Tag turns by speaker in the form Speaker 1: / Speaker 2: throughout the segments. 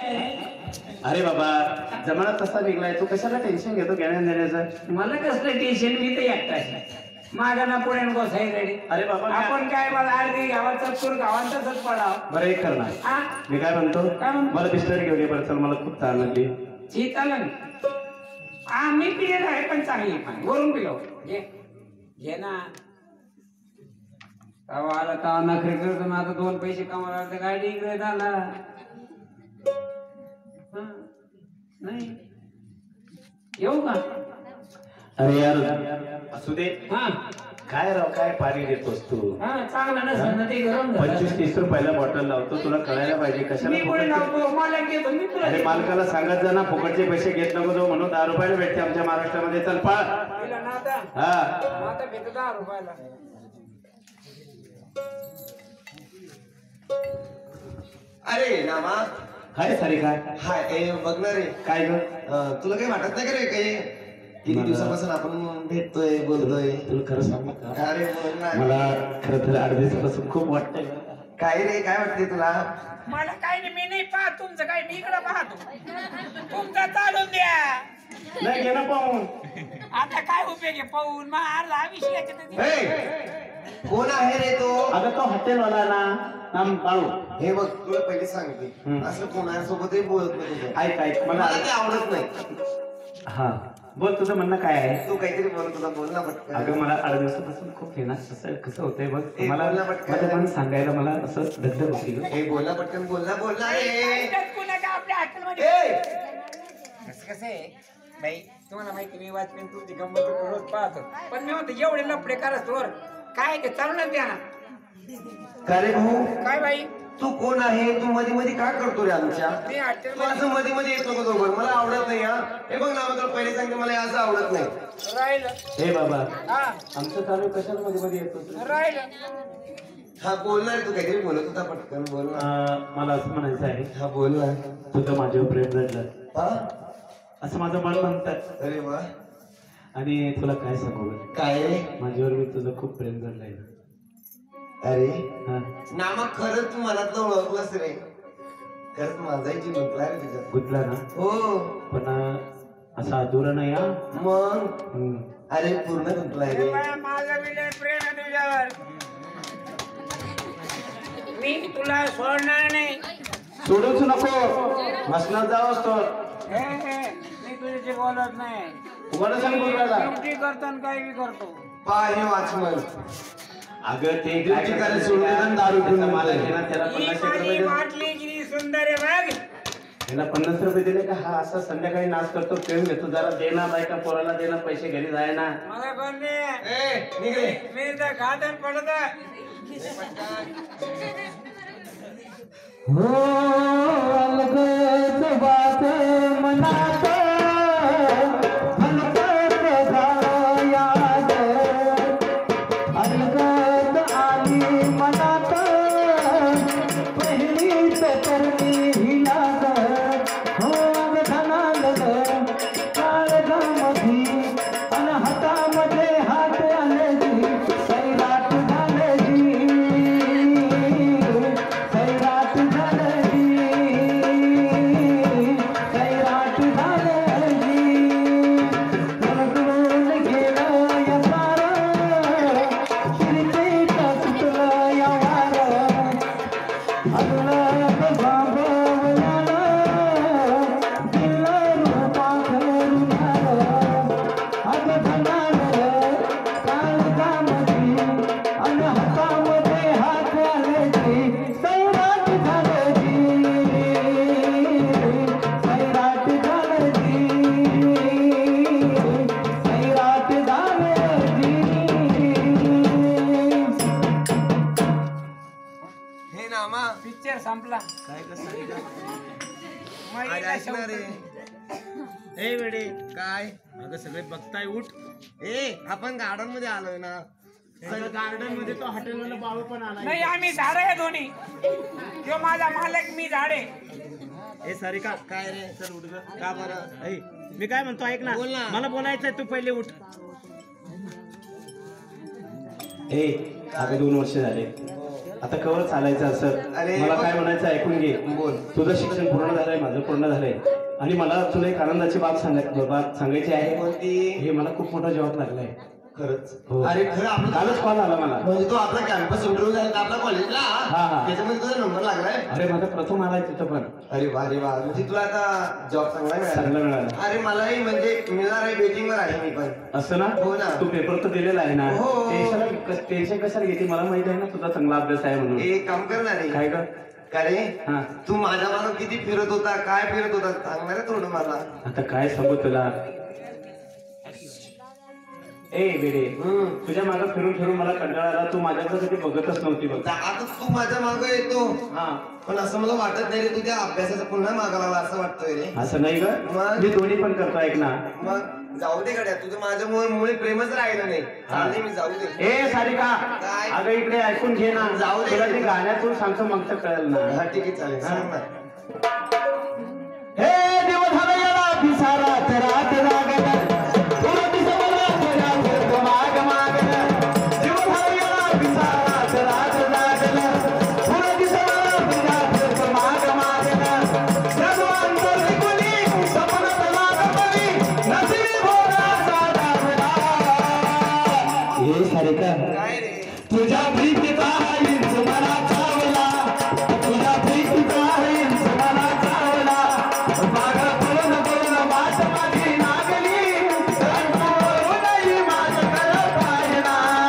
Speaker 1: अरे बाबा जमाना तसा निघलाय, तू कशाला टेन्शन घेतो घेण्या देण्याचं?
Speaker 2: मला कसलं टेन्शन, मी तर एकटा माझा ना पुढे बसाय रेडी.
Speaker 1: अरे बाबा
Speaker 2: आपण काय मला अर्धी गावाचा चूर गावांचाच पडाव.
Speaker 1: बरं एक करणार, मी काय म्हणतो, मला बिस्तर घेऊन ये बरं, चल मला खूप ताण लागली.
Speaker 2: चालेल. मी पिलेलं आहे पण चांगली पाणी वरून पिलो. घे ना. आला तवा नखरे करतो ना, आता 2 पैसे कमावला तर गाडी इकडे झाला नाही. येऊ का?
Speaker 1: अरे यार असू दे.
Speaker 2: हा
Speaker 1: काय राव, काय पाणी देतोस तू?
Speaker 2: चांगलं ना ते गरम
Speaker 1: 25-30 रुपयाला बॉटल लावतो, तुला कळायला पाहिजे कशाला. अरे मालकाला सांगत जा ना, फुकटचे पैसे घेत नको जो, म्हणून 10 रुपयाला भेटते आमच्या महाराष्ट्रामध्ये. चल पळ.
Speaker 2: हा भेटतो 10 रुपयाला.
Speaker 3: अरे नामा
Speaker 1: हाय सारी काय
Speaker 3: हाय बघणार रे.
Speaker 1: काय ग?
Speaker 3: तुला काही वाटत नाही का रे? काही किती दिवसापासून आपण भेटतोय बोलतोय.
Speaker 1: तुला खरं सांगू का?
Speaker 3: अरे बोल ना.
Speaker 1: मला खरं तर 8 दिवसापासून खूप वाटतंय.
Speaker 3: काय रे, काय वाटते तुला?
Speaker 2: मला काय नाही, मी नाही पाहत तुमचं काय, मी इकडं पाहतो. तुमचा चालून द्या.
Speaker 1: नाही घे ना पाहून.
Speaker 2: आता काय उपयोग आहे पाहून? मग अर्धा विषय.
Speaker 3: कोण आहे रे तो?
Speaker 1: अगं तो हॉटेलवाला ना, नाम बाळू.
Speaker 3: हे बघ तुला पहिले सांगते, असं कोणासोबतही बोलत नाही तुझं.
Speaker 1: ऐक ऐक, मला
Speaker 3: मला ते आवडत नाही.
Speaker 1: हा बोल, तुझं म्हणणं काय आहे?
Speaker 3: तू काहीतरी बोल, तुला बोल ना पटकन.
Speaker 1: अगं मला 8 दिवसापासून खूप हे ना, कसं होतंय बघ,
Speaker 3: ए,
Speaker 1: मला
Speaker 3: बोल ना पटकन.
Speaker 1: माझं मन सांगायला मला असं धगधग होती ग.
Speaker 3: हे बोल ना पटकन, बोल ना रे.
Speaker 2: आपल्या हॉटेलमध्ये कसं आहे बाई, तुम्हाला माहिती मी वाचन तुमची गंमत रोज पाहतो, पण मी म्हणतो एवढे लफडे करत वर काय ते चालून द्या ना.
Speaker 3: का रे भाऊ?
Speaker 2: काय बाई
Speaker 3: तू कोण आहे? तू मध्ये मध्ये काय करतो रे आमच्या?
Speaker 2: मी हॉटेल
Speaker 3: तू असं मध्ये मध्ये येत नको दोघं, मला आवडत नाही. हा हे बघ ना, तुला पहिले सांगते, मला असं आवडत नाही.
Speaker 2: राहिलं.
Speaker 1: हे बाबा,
Speaker 2: हा
Speaker 1: आमचं चालू कशाला मध्ये मध्ये येतो?
Speaker 2: राहिलं.
Speaker 3: हा बोलणार, तू काहीतरी बोलत होता, पटकन बोल ना.
Speaker 1: मला असं म्हणायचं आहे,
Speaker 3: हा बोल ना.
Speaker 1: तुझं माझ्यावर प्रेम जडलं
Speaker 3: हा
Speaker 1: असं माझं मन म्हणतात.
Speaker 3: अरे वा.
Speaker 1: आणि तुला काय सांगू ग?
Speaker 3: काय रे?
Speaker 1: माझ्यावर मी तुझं खूप प्रेम जडलंय.
Speaker 3: अरे
Speaker 1: हा
Speaker 3: नामा, खरंच तू मनातलं ओळखलंस रे. खरंच माझाही जीव गुंतला रे तुझ्यात.
Speaker 1: गुंतला ना,
Speaker 3: हो
Speaker 1: पण असं अधुरं नाही. हा
Speaker 3: मग अरे पूर्ण गुंतलाय रे.
Speaker 2: माझं विलय प्रेम आहे तुझ्यावर, मी तुला सोडणार नाही.
Speaker 1: सोडूच नको, मसनात जाऊ असतो.
Speaker 2: मी तुझ्याशी बोलत नाही.
Speaker 1: तुम्हाला सांग बोलायला.
Speaker 2: ड्युटी करतो आणि काही बी करतो.
Speaker 3: पाय वाचमन.
Speaker 1: अगं ते
Speaker 3: ड्युटी करायला सोडून देतात आणि दारू पिऊन
Speaker 1: मला
Speaker 3: निघतात.
Speaker 1: ना त्याला
Speaker 2: ही
Speaker 1: 50
Speaker 2: माझी
Speaker 1: रुपये
Speaker 2: बाटली किती सुंदर आहे बघ.
Speaker 1: त्याला 50 रुपये दिले का हा असा संध्याकाळी नाच करतो, प्रेम घेतो. जरा देना बायका पोराला, देना पैसे घरी जाय ना.
Speaker 2: मला कोण दे.
Speaker 3: निघ रे.
Speaker 2: मी तर खात्यात पडत.
Speaker 4: हो अलगद बात मनात हलकत याद अलगद आली मनात पहिलीच करणी ही लाग. हो अवधानाल काळजामधी अन हातामध्ये हात आले सैराट झाले सैराट
Speaker 2: पिक्चर संपला.
Speaker 3: काय कसं
Speaker 2: माहिती
Speaker 3: ऐकणार रे.
Speaker 1: ए वेडे,
Speaker 3: काय
Speaker 1: अगं सगळे बघताय, उठ.
Speaker 3: आपण गार्डन मध्ये आलोय ना.
Speaker 1: गार्डन मध्ये तो हॉटेलवाला बाळू पण आला.
Speaker 2: नाही, आम्ही झाड आहे दोन्ही. तो माझा मालक, मी झाडे.
Speaker 1: ए सारिका,
Speaker 3: काय रे?
Speaker 1: चल उठ ग.
Speaker 3: का बरं?
Speaker 1: ए, मी काय म्हणतो ऐक ना,
Speaker 3: बोल ना.
Speaker 1: मला बोलायचंय, तू पहिले उठ. ए अगं 2 वर्ष झाले आता कवर चालायचं असं
Speaker 3: अरे,
Speaker 1: मला काय म्हणायचं ऐकून घे.
Speaker 3: बोल.
Speaker 1: तुझं शिक्षण पूर्ण झालंय, माझं पूर्ण झालंय आणि मला तुला एक आनंदाची बाब सांगायची आहे.
Speaker 3: कोणती?
Speaker 1: हे मला खूप मोठा जॉब लागलाय.
Speaker 3: खरंच
Speaker 1: हो.
Speaker 3: अरे खरं आपलं
Speaker 1: कालच कॉल आला मला.
Speaker 3: म्हणजे तो आपला कॅम्पस इंटरव्ह्यू झाला आपल्या कॉलेजला
Speaker 1: हा.
Speaker 3: त्याच्यामध्ये तुझा नंबर लागलाय.
Speaker 1: अरे माझा प्रथम आलाय तिथं पण.
Speaker 3: अरे वा म्हणजे तुला आता जॉब चांगला
Speaker 1: चांगला
Speaker 3: मिळाला.
Speaker 1: मिळाला.
Speaker 3: अरे मलाही म्हणजे मिळणार आहे, वेटिंगवर आहे मी पण.
Speaker 1: असं ना?
Speaker 3: हो ना.
Speaker 1: तू पेपर तर दिलेला आहे ना?
Speaker 3: हो.
Speaker 1: टेन्शन कशाला घेते, मला माहिती आहे ना तुझा चांगला अभ्यास आहे म्हणून.
Speaker 3: एक काम करणार आहे
Speaker 1: काय ग?
Speaker 3: का रे
Speaker 1: हा.
Speaker 3: तू माझ्या मागं किती फिरत होता, काय फिरत होता सांगणार आहे थोडं मला.
Speaker 1: आता काय सांगू तुला. ए बेडे, तुझ्या मागं फिरून फिरून मला कंटाळा आला. तू माझ्याकडे कधी बघतच नव्हती बघ.
Speaker 3: आता तू माझ्या मागं येतो
Speaker 1: हा.
Speaker 3: पण असं मला वाटत नाही रे, तू त्या अभ्यासाचं पुन्हा मागा लागला असं वाटतोय रे.
Speaker 1: असं नाही ग,
Speaker 3: मग?
Speaker 1: मी दोन्ही पण करतो. ऐक ना.
Speaker 3: मग जाऊ दे गड्या, तुझं माझ्यामुळे मुळे प्रेमच राहिलं नाही. चालले मी, जाऊ दे.
Speaker 1: ए सारिका,
Speaker 3: काय?
Speaker 1: अगं इकडे ऐकून घे ना.
Speaker 3: जाऊ दे.
Speaker 1: तुला ते गाण्यातून सांगतो मग तर कळेल ना.
Speaker 3: हा ठीक आहे चालेल, सांग ना.
Speaker 4: हे देव झालं याला पिसारात रात लागलं तुला दिसवलं तुझ्या माग मागलं देव झालं याला पिसारात रात लागलं तुला दिसवलं तुझ्या माग मागलं जगवान कोणी सपनात लागली नसिबी भोगा साधावला. हे सारिका,
Speaker 3: काय रे
Speaker 4: तुझ्या प्रीतीचा इंच मला चावला, तुझ्या प्रीतीचा इंच मला चावला. मागं पळून पळून वाट माझी लागली, कंटाळूनही माझ्याकडं पाहिला.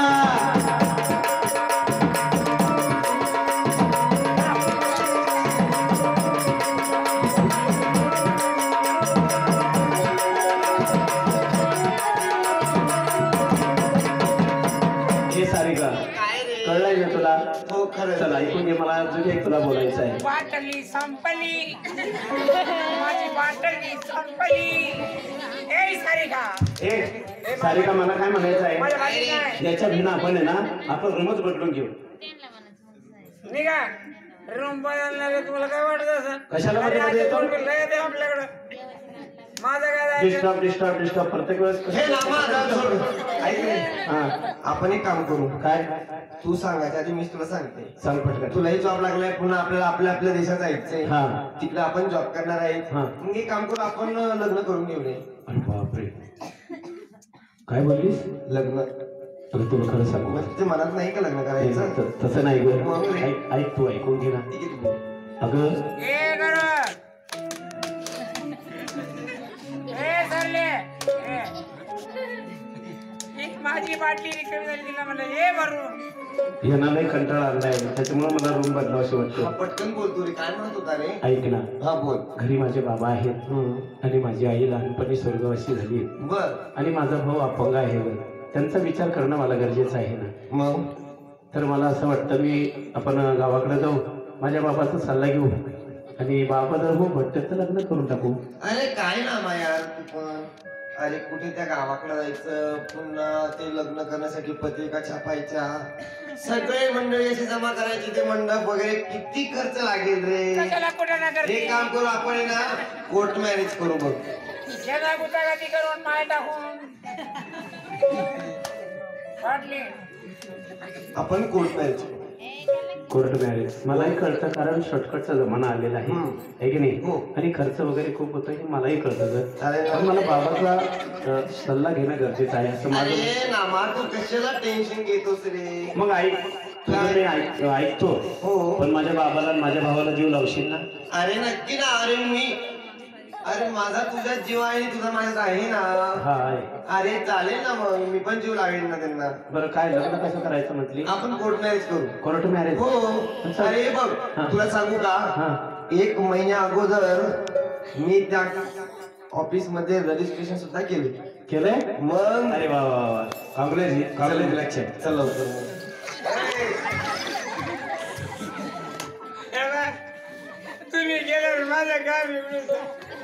Speaker 1: हे सारिका,
Speaker 3: काय रे
Speaker 1: कळलंय ना तुला?
Speaker 3: हो खरं.
Speaker 1: चल ऐकून घे, मला अजून एक तुला बोलायचं आहे.
Speaker 2: बाटली संपली, माझी बाटली संपली. ए सारिका,
Speaker 1: ए सारिका, मला काय म्हणायचं आहे,
Speaker 2: माझ्या बाटली नाही.
Speaker 1: याच्या भिन्न आपण आहे ना, आपण रूमच बदलून घेऊ.
Speaker 2: निघा रूम बदलणार आहे, तुम्हाला काय वाटत असं?
Speaker 1: कशाला
Speaker 2: अरे,
Speaker 1: मध्ये
Speaker 2: आज
Speaker 1: येतो?
Speaker 2: दोन बिल येते आपल्याकडं. माझं काय जायचं?
Speaker 1: डिस्टर्ब प्रत्येक वेळेस
Speaker 3: हे नामा आता सोड. ऐक रे,
Speaker 1: हा.
Speaker 3: आपण एक काम करू.
Speaker 1: काय
Speaker 3: तू सांगायच्या आधी मीच तुला सांगते.
Speaker 1: सांग पटकन.
Speaker 3: तुलाही जॉब लागलाय, पुन्हा आपल्याला आपल्या देशात जायचंय.
Speaker 1: हा.
Speaker 3: तिकडे आपण जॉब करणार आहे.
Speaker 1: हा.
Speaker 3: मग एक काम करू, आपण लग्न करून घेऊ रे.
Speaker 1: अरे बापरे, काय बोललीस?
Speaker 3: लग्न
Speaker 1: अगं तुला खरं सांगू,
Speaker 3: मग तुझ्या मनात नाही का लग्न करायचं?
Speaker 1: तसं नाही ग.
Speaker 3: मग रे.
Speaker 1: ऐक तू ऐकून घे ना.
Speaker 3: ठीक आहे, ठीक आहे.
Speaker 1: अगं
Speaker 2: ए गरु. ए सरले. ए. ही माझी बाटली रिकामी झाली, तिला म्हणलं ए भरून.
Speaker 1: यांना नाही कंटाळा आणलाय, त्याच्यामुळे मला रूम बदलावशी
Speaker 3: हा,
Speaker 1: वाटतं.
Speaker 3: पटकन बोलतो रे, काय म्हणत होता रे?
Speaker 1: ऐक ना,
Speaker 3: हा बोल.
Speaker 1: घरी माझे बाबा आहेत आणि माझी आई लहानपणी स्वर्गवासी झाली
Speaker 3: बर.
Speaker 1: आणि माझा भाऊ अपंग आहे बघ. त्यांचा विचार करणं मला गरजेचं आहे ना.
Speaker 3: मग
Speaker 1: तर मला असं वाटतं आपण गावाकडे जाऊ, माझ्या बाबाचा सल्ला घेऊ आणि बाबा जर हो भट्ट तर लग्न करून टाकू.
Speaker 3: अरे काय ना मा यार तू पण. अरे कुठे त्या गावाकडे जायचं, पुन्हा ते लग्न करण्यासाठी पत्रिका छापायच्या, सगळे मंडळी अशी जमा करायची, ते मंडप वगैरे किती खर्च लागेल रे.
Speaker 2: कशाला कुठे ना करते?
Speaker 3: एक काम करू आपण आहे ना, कोर्ट मॅरेज करू बघ.
Speaker 2: शेजा गुतागाती करून माय टाकून बाटली.
Speaker 3: आपण कोर्ट मॅरेज करू.
Speaker 1: कोर्ट मॅरेज मलाही कळतं, कारण शॉर्टकटचा जमाना आलेला आहे, है की नाही?
Speaker 3: हो.
Speaker 1: आणि खर्च वगैरे खूप होतो हे मलाही कळतं ग.
Speaker 3: अरे
Speaker 1: पण मला बाबाचा सल्ला घेणं गरजेचं आहे असं माझं.
Speaker 3: अरे नामा तू कशाला टेन्शन घेतोस रे?
Speaker 1: मग ऐक, तुझं मी ऐकतो,
Speaker 3: हो.
Speaker 1: पण माझ्या बाबाला आणि माझ्या भावाला जीव लावशील ना?
Speaker 3: अरे नक्की ना. अरे माझा तुझ्यात जीव आहे आणि तुझा माझ्यात आहे ना.
Speaker 1: हा आहे.
Speaker 3: अरे चालेल ना, मग मी पण जीव लावेल ना त्यांना.
Speaker 1: बरं काय लग्न कसं करायचं म्हटली?
Speaker 3: आपण कोर्ट मॅरेज करू.
Speaker 1: Court marriage?
Speaker 3: हो. अरे बघ
Speaker 1: हा.
Speaker 3: तुला सांगू का,
Speaker 1: हा.
Speaker 3: 1 महिन्या अगोदर मी त्या ऑफिस मध्ये रजिस्ट्रेशन सुद्धा
Speaker 1: केलंय?
Speaker 3: मग
Speaker 1: अरे वा वा वा, कॉंग्रॅच्युलेशन.
Speaker 3: चल लवकर.
Speaker 2: तुम्ही गेल्यावर माझं काम बिघडून.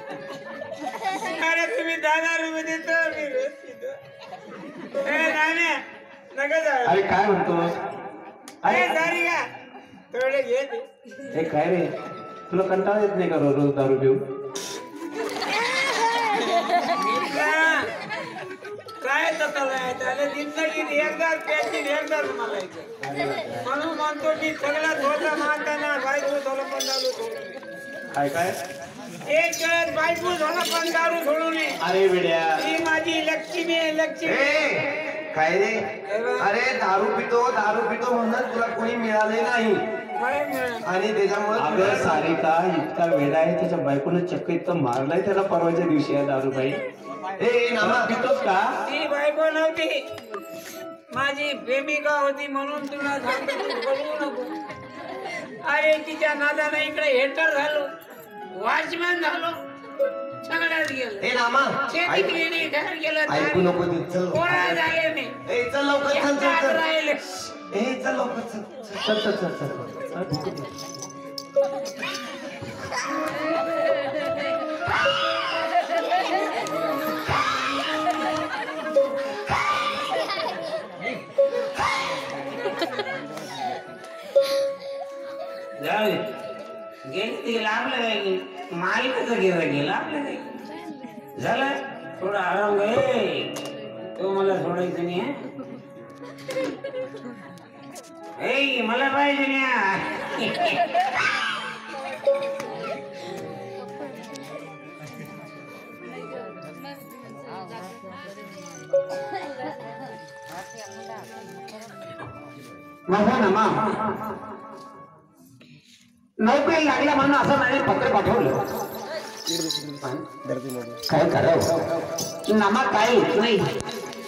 Speaker 2: अरे तुम्ही 10,000 रुपये देतो, मी रोज पितो. ए नाण्या नका जाऊ.
Speaker 1: अरे काय म्हणतो?
Speaker 2: अरे सारी का थोडे घे ते.
Speaker 1: हे काय रे, तुला कंटाळा येत नाही का रोज रोज दारू पिऊ?
Speaker 2: काय त्याला जिंदगीत एकदाच प्यायची एकदाच मागायचं म्हणून म्हणतो की सगळा धोका मानताना बायको झालं पण दारू सोडून
Speaker 1: काय काय
Speaker 2: एक वेळेस बायको झालं पण दारू सोडून
Speaker 1: अरे वेड्या
Speaker 2: ही माझी लक्ष्मी आहे लक्ष्मी
Speaker 3: ए, काय रे अरे दारू पितो म्हणून तुला कोणी मिळाले नाही आणि त्याच्यामुळे
Speaker 1: अगं सारिका इतका वेडा आहे त्याच्या बायकोनं चक्क इतकं मारलाय त्याला परवाच्या दिवशी आहे दारूबाई
Speaker 3: ए नामा
Speaker 1: पितोस का
Speaker 2: ती बायको नव्हती माझी प्रेमिका होती म्हणून तुला सांगतो तू बोलवू नको अरे तिच्या नादानं इकडे हेटर झालो वॉचमॅन झालो सगळ्यात गेलो
Speaker 3: ए नामा
Speaker 2: शेतीत गेली घर गेलं
Speaker 3: ऐकू नको ते चल
Speaker 2: कोणा झाले मी
Speaker 3: ए चल लवकर चल चल
Speaker 2: एकटाच
Speaker 3: चल
Speaker 2: राहिले
Speaker 3: ए चल लवकर चल
Speaker 1: चल चल चल चल
Speaker 2: जाऊ दे गेली ती लागलं काय मालिकाचं गेलं आपलं काय झालं थोडा आराम घे तो मला सोडायचं नाही ए मला पाहिजे नाही
Speaker 4: माझा नामा नोकरी लागला म्हणून असं माझे पत्र पाठवलं काय करावं नामा काय नाही